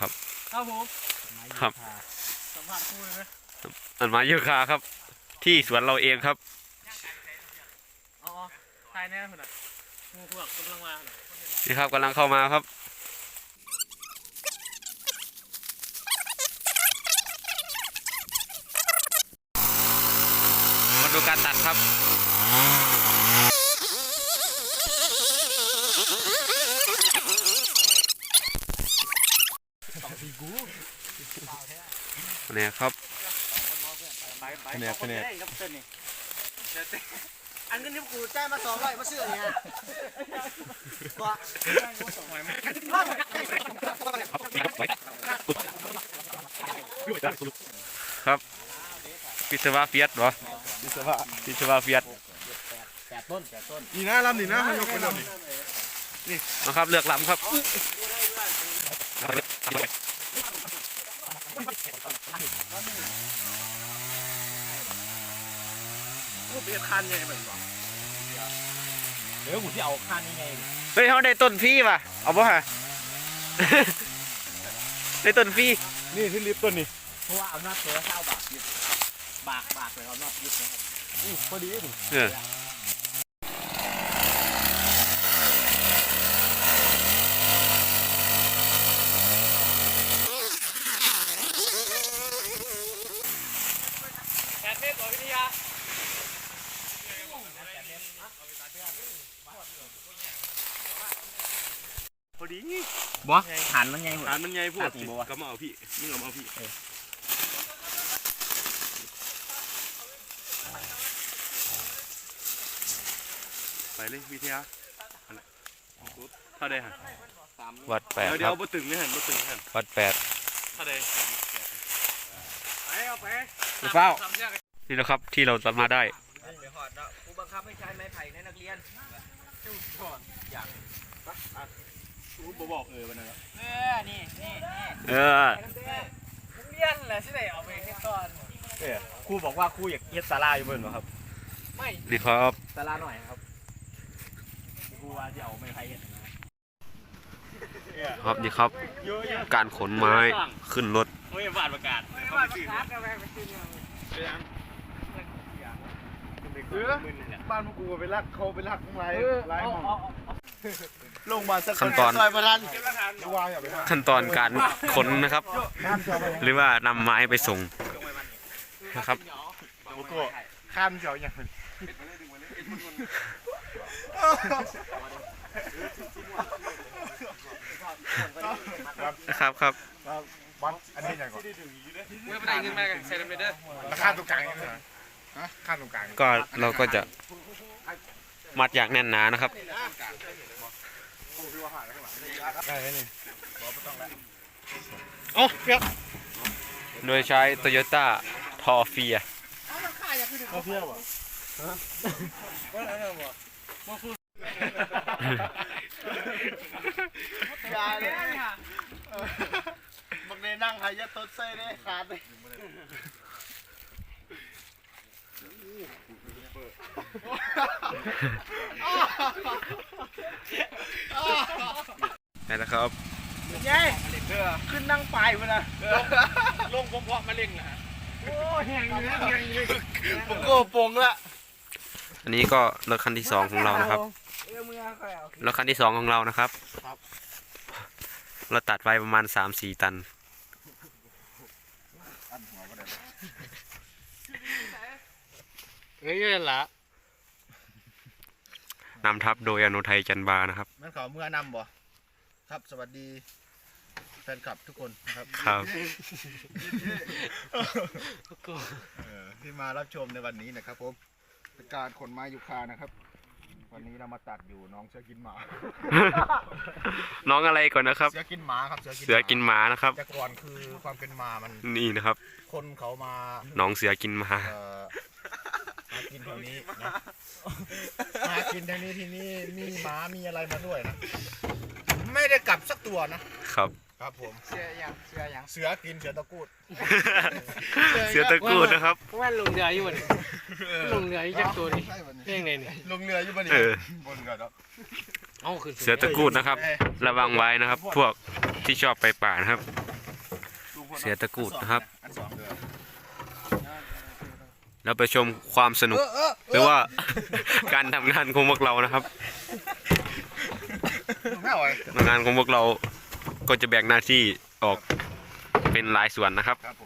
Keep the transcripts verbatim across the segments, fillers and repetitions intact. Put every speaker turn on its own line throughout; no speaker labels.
ครับ
ครับผม
ครับ
สัมผัสคู่เลยไหม
ต้นไม้ยูคาครับที่สวนเราเองครับ
อ๋อทายแน่คุณอ่ะงูพวกกำลังมา
นี่ครับกำลังเข้ามาครับมาดูการตัดครับเนี่ยครับ
เนี่ยเนี่ย
อันนี้นี่กูแจ้งมาสองร้อยมาเชื่อเนี่ยว่า
ครับพิศวะเฟียสเหรอ
วิศวะ
พิศวะเฟียส
แปดต้นแปดต้น
นี่นะลำนี่นะมันยกไปลำนี่
นะครับเลือกลำครับ
กูเปลี่ยนคันไงเหมือนกันเดี๋ยวกูที่เอาคันยังไง
เฮ้ยเขาได้ต้นฟรีป่ะเอาป่ะฮะ ได้ต้นฟรี
นี่ที่ลิฟต์ต้นนี่
เพราะว่าเอาหน้าเสือเศร้าบาทยึดบากบากเลยเอาหน้ายึดนะครับ
พอดีดิ
เออ
แปดเมตรต่อวิทยา
พอดี
บ่หันมันไงหัว
ฐานมันใหญ่พวกก็มาเอาพี่มึงเอามาเอาพี่ไปเลยวิทยาเท่าใดฮะ
วัดแปด
เดี๋ยว
ค
เดี๋ย
รั
ว
บ
บ่ตึงเลยฮะบ่ตึงฮะ
วัดแปด
เท่าใด
ไปเอาไป
เฝ้านี่นะครับที่เราจะมาได้
เดี๋ยวหอดเนาะครูบังคับให้ใช้ไม้ไผ่ในนักเรียนจุดก่อนอย่าง
กูบ่บอกเออวันนั้น
เออนี่นี่นี่
เออ
นักเรียนแหละที่ไหนเอาไปเฮ็ดก่อน
เออครูบอกว่าครูอยากเฮ็ดศาลาอยู่เบิ่นบ่ครับ
ไม่
นี่ครับ
ตลาดหน่อยครับครูว่าจะเอาไม้ไผ่เฮ็ดนะครับ
นี่ครับการขนไม้ขึ้นรถ
โอ้ยบาดประกาศ
ไม่ว่าประกาศอะไรไปซื้อเนี่ย
เออบ้านพวกกูไปลักเขาไปลักทั้งหลายหลายห้องลงมาสัก
ขั้นตอน
ซอยประธานวางอย่าไป
ขั้นตอนการขนนะครับ หรือว่านำไม้ไปส่งนะครับ
โอ้โหข้ามเสียวอย่างนี้
นะครับครับ
วัดอันนี้อย่างก่อน
เมื่อไปได้เงินมาใส่ลำเด้อ
ราคาตรงกลางนี่นะฮะค่าตรงกลาง
ก็เราก็จะมัดอย่างแน่นหนานะครับ
ได้ไหมนี่
โอ้เพียบโดยใช้ Toyota ทอเฟีย
เขาเที่ยวอ่ะอย่าเลยบักเนนั่งหายาต้นเซ่ได้ขาดเลย
นี่แหละครับ
ไงขึ้นนั่งปลายมันนะลงผมเพาะมาเล่งนะโอ้แห้งอยู่นะแห้งอยู่
ผมก็ปงละ
อันนี้ก็รถคันที่สองของเรานะครับรถคันที่สองของเรานะครับเราตัดไปประมาณสามสี่ตัน
เฮ้ยนั่นละ
นำทัพโดยอโนไทยจันบานะครับ
มันขอเมื่อนำบ่ครับสวัสดีแฟนคลับทุกคนนะครับ
ครับ
ที่มารับชมในวันนี้นะครับผมเป็นการขนไม้ยูคานะครับ วันนี้เรามาตัดอยู่น้องเสือกินหมา
น้องอะไรก่อนนะครับ
เสือกินหมาครับ
เสือกินหมานะครับ
แต่ก่อนคือความเป็นหมามัน
นี่นะครับ
คนเขามา
น้องเสือกินหมา
เอ่อหากินแถวนี้นะหากินแถวนี้ที่นี่มีหมามีอะไรมาด้วยนะไม่ได้กลับสักตัวนะครับ ครับผม
เชื่อยังเชื่อยัง
เสือกินเสือตะกูด
เสือตะกรูดนะครับ
เพราะว่าลงเรืออยู่บนลงเรืออยู่จักตัวนี่เพ่งเลยนี่
ลงเรืออยู่บนนี้
เออ
บนก่อนเนาะ
เอ้าขึ้น
เสือตะกรูดนะครับ ระวังไว้นะครับ พวกที่ชอบไปป่านะครับ
ค
เสียตะกรูดนะครับ
อันสองเดือน
แล้วไปชมความสนุกหรือว่า การทำงานของพวกเรานะครับ
ไม่ไหว
งานของพวกเราก็จะแบ่งหน้าที่ออกเป็นหลายส่วนนะครับ
ครับผม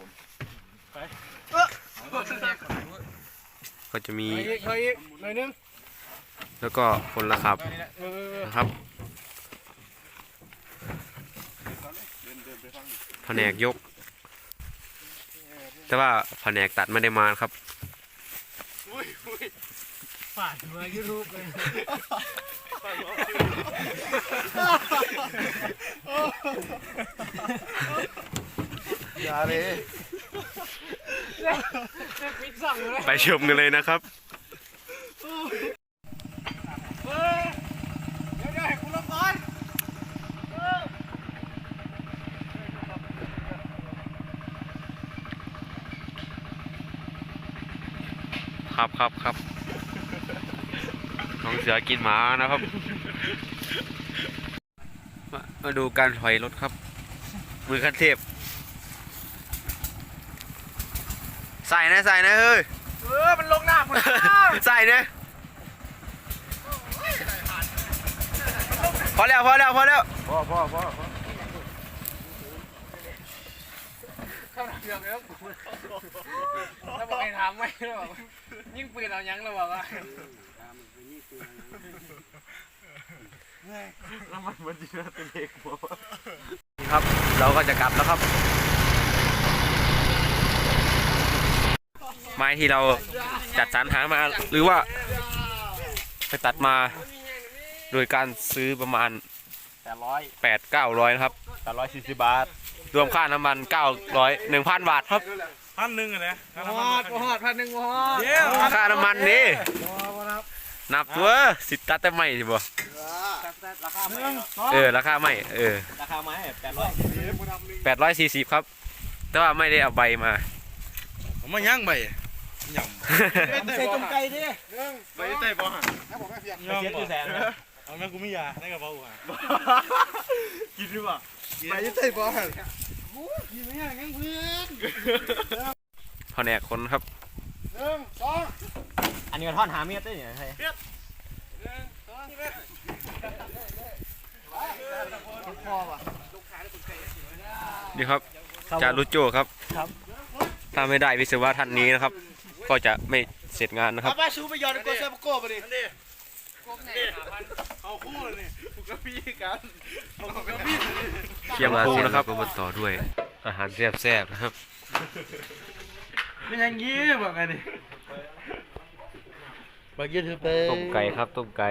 ก็จะมี
เฮ้ยเฮ้ยหน่อยนึง
แล้วก็คนละครับนะครับแผนกยก แต่ว่าแผนกตัดไม่ได้มาครับ
ผ่านมายูทูบเลย
อย่าเลย
ปิดสั่งเลย
ไปชมกันเลยนะครับ
เฮ้ยเดี๋ยวเดี๋ยวให้คุณลงก่อน
ครับครับครับน้องเสือกินหมานะครับ มามาดูการถอยรถครับ มือขั้นเทพใส่นะใส่นะเฮ้ย
เออมันลงหน้าผม
ใส่นะพอแล้วพอแล้วพอแล้ว
พ่อพ่อพ่อ
เข้าหน้าเดือดแล้วแล้วบอกให้ถามไหมแล้วบอกยิ่งปืนเอายังแล้วบอกว่า
แล้วมันมันจะเป็นเด็กบ่
ครับ เราก็จะกลับแล้วครับ ไม้ที่เราจัดสรรหามาหรือว่าไปตัดมา โดยการซื้อประมาณ
แปดร้อย
แปดเก้าร้อยนะครับ
แปดร้อยสี่สิบบาท
รวมค่าน้ำมันเก้าร้อยหนึ่งพันบาทครับ
พันหนึ่งอะนะ
หอดหอดพันหนึ่งหอด
เดี๋ยว
ค่าน้ำมันนี่นับตัวสิตัดแต่ไม่ใช่บ่
ราคาไม่
เออราคาไม่เออ
ราคาไม่แปดร้อย
แปดร้อยสี่สิบครับ แต่ว่าไม่ได้เอาใบมา
ผมมาย่างใบย่ำ
ใส่ต้มไก่ดิ
ใบใส่บ่ฮะ
แล้วผมไม่เพียง
ย่ำบ่เอาแม่กูไม่ยาในกระเป๋าอ่ะกินหรือเปล่า
ไปใส่บ่ฮะ
กินไม่ยังยังเพื่อน
แผนกคนครับ
หนึ่งสอง
อันนี้ก็ทอดหาเมียได้ยังไง
นี่ครับจารุโจครับถ้าไม่ได้วิศวะท่านนี้นะครับ ก็จะไม่เสร็จงานนะครับ
ป้าชูไปยอดโกเซปโก้ไปดิ
เอาคู่เลยนี่กูกับพี่กันเอาคู่กับ
เคียงปูนะครับก็มาต่อด้วย อาหารแซ่บๆนะครับ
ไม่ยังงี้บอกไงดิบางยี่ถือไป
ต้มไก่ครับต้มไก่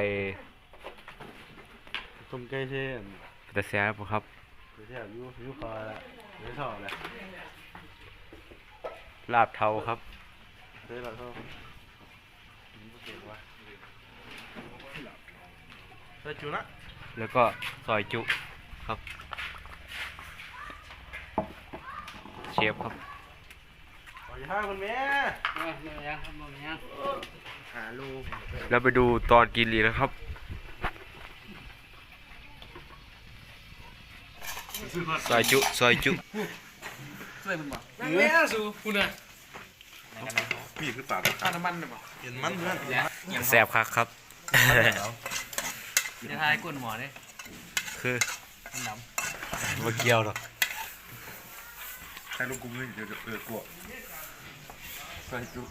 ต้มไก่เช่น
แต่แซ่บครับ
เช่นยูยูคอละยูทอละ
ลาบเทาครับ
เฮ้ยเราเท่าใส่จุนะ
แล้วก็ซอยจุครับ เชฟครับ
ขอห้าคนแม่
หาลู
แล้วไปดูตอนกินลีนะครับ ซอยจุซอยจุ
นั่งเลี้ยสูคุณน่ะ
พี่คือปาก
ค่าน้ำมันหรือเปล่า
เห็นมันเพื่อน
แซ่บคักครับ
จะทายก้นหมอเนี่ย
คือมาเกี่ยวหรอก
ใครลูกกุ้งนี่เดี๋ยวเออกลัวใส่จุ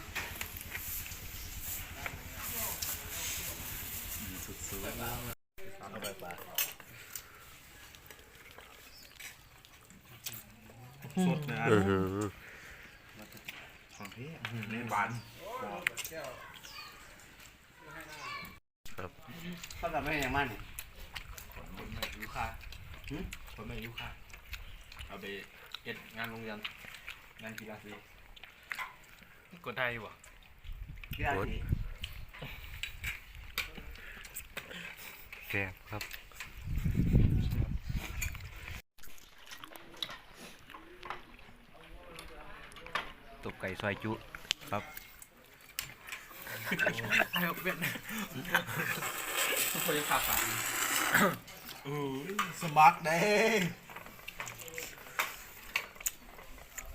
สดนะ
อือหือ
ของพี่นี่หวาน
เขาทำให้ยังมันเนี่ย
ยูคาผมไม่ยูคาเอาไปเอ็ดงานโรงเรียนงานกีฬาสี
กดไทยอยู่ป่ะ
แซ่บครับ ตบไก่ซอยจุครับ
ไอ้เป็ดคนยังขาดสาม
สมัครได้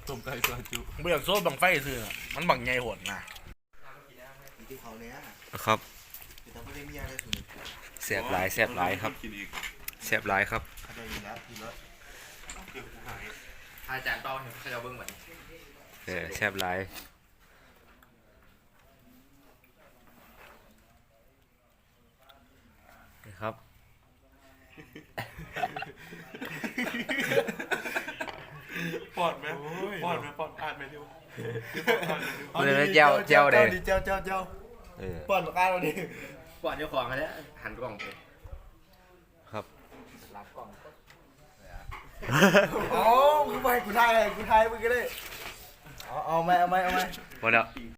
ต้มไก่ซอยจุ
เบื่อโซ่บังไฟซื้อน่ะมันบังใหญ่โหดนะ
ที่เขาเนี้ย
นะครับ
จะทำไม่ได้มีอะไรสุด
แซ่บหลายแซ่บหลายครับแซ่บหลายครับ
เขาได้ยินแล้วพี่รถ
อาจารย์เป้าเห็นเขาจะเบิ้งเหมือน
เออแซ่บหลายนะครับ
ปอดไหมปอดไหมปอดอ่านไหมดิว
มันเลยเจ้าเจ้าเด้
เจ้าเจ้าเจ้า
เออ
ป้อนปากกาเราดิ
กวาดเจ้าของกันแล้วหันกล้องไป
ครับ
รับกล้อง
อ๋อมึงไปกูทายเลยกูทายมึงก็ได้เอาเอาไหมเอาไหมเอาไหม
หมดแล้ว